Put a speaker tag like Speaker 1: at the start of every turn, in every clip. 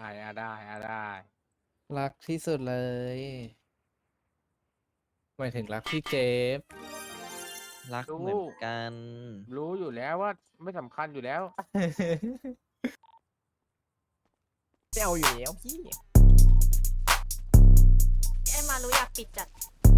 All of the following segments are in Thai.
Speaker 1: ได้
Speaker 2: รักที่สุดเลยหมายถึงรักพี่เจฟ
Speaker 3: รัก
Speaker 1: รู้
Speaker 3: เหมือนกัน
Speaker 1: รู้อยู่แล้วว่าไม่สำคัญอยู่แล้ว
Speaker 4: เซลอยู่แล้วพี่
Speaker 5: ไอ้มารู้อยากปิดจัด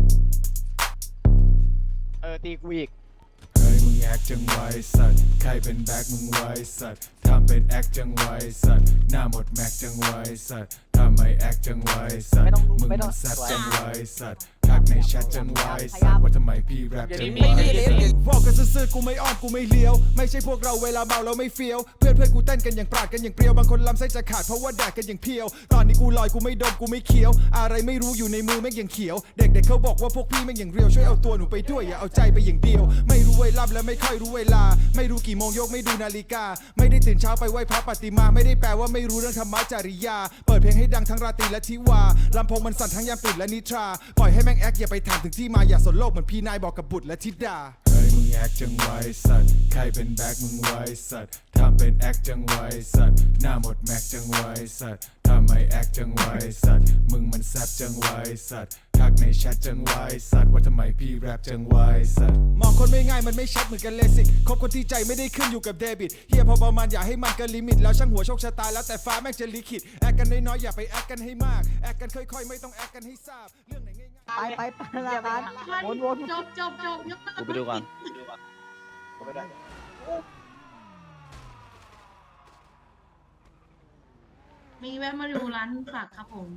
Speaker 4: ตีกูอีก
Speaker 6: เฮ้ยมึงแอคจังไวสัตว์ใครเป็นแบ็คมึงไวสัตว์ทำเป็นแอคจังไวสัตว์หน้าหมดแม็กจังไวสัตว์ทำไมแอคจังไวสัต
Speaker 4: ไม่
Speaker 6: ว์
Speaker 4: ต้อง
Speaker 6: มึง
Speaker 4: ไม่ต้
Speaker 6: มั
Speaker 4: อง
Speaker 6: นแซบจังไวสัตว์ทักในแชทจังไวสัตว์ว่าทำไมพี่แรปจังไว
Speaker 7: บอกกันซื่อๆกูไม่อ้อมกูไม่เลี้ยวไม่ใช่พวกเราเวลาเมาเราไม่เฟี้ยวเพื่อนกูเต้นกันอย่างปราดกันอย่างเปรียวบางคนลำไส้จะขาดเพราะว่าแดกกันอย่างเพียวตอนนี้กูลอยกูไม่ดมกูไม่เคี้ยวอะไรไม่รู้อยู่ในมือแม่งอย่างเขียวเด็กๆเขาบอกว่าพวกพี่แม่งอย่างเรียวช่วยเอาตัวหนูไปด้วยอย่าเอาใจไปอย่างเดียวไม่รู้เวลาและไม่ค่อยรู้เวลาไม่รู้กี่โมงยกไม่ดูนาฬิกาไม่ได้ตื่นเช้าไปไหว้พระปฏิมาไม่ได้แปลว่าไม่รู้เรื่องธรรมะจริยาเปิดเพลงให้ดังทั้งราตรีและทิวาลำโพงมันสั่นทั้งยามตื่นและนิทราปล่อยให้แม่งแอคอย่าไปถามถึงที่มาอย่าสนโลกเหมือนพี่นายบอกกับบุตรและธิดา
Speaker 6: เฮ้ยมึงแอคจังไวสัตว์ใครเป็นแบ็คมึงไวสัตว์ทำเป็นแอคจังไวสัตว์หน้าหมดแม็กจังไวสัตว์ทำไมแอคจังไวสัตว์มึงมันแซบจังไวสัตว์ทักในแชทจังไวสัตว์ว่าทำไมพี่แรปจังไวสัตว์
Speaker 7: มองคนไม่ง่ายมันไม่ชัดเหมือนกันเลสิกคบคนที่ใจไม่ได้ขึ้นอยู่กับเดบิตเฮียพอประมาณอย่าให้มันเกินลิมิตแล้วช่างหัวโชคชะตาแล้วแต่ฟ้าแม่งจะลิขิตแอคกันน้อยๆอย่าไปแอคกันให้มากแอคกันค่อยๆไม่ต้องแอคกันให้ทราบเรื่องไหนง่ายๆ
Speaker 4: ไปละกันวน
Speaker 5: จบยก
Speaker 3: กูไปดูก่อน
Speaker 5: มีแวะมาดูร้านสักครับผม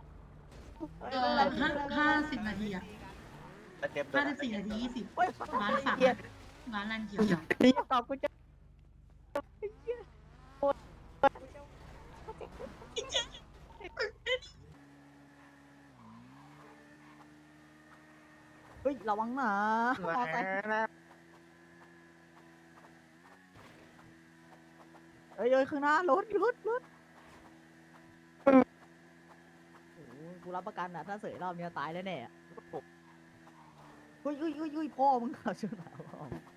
Speaker 5: 50 นาทีอะ54 นาที 20ร้านสักอะร้านรันเขียว
Speaker 4: นี่ตอบกูจะเฮ้ยระวังนะมอไซค์เอ้ยข้างหน้ารถโอ้โหกูรับประกันนะถ้าเสยรอบนี้ตายแน่ๆเฮ้ยพ่อมึงขับชนหนาพ่อ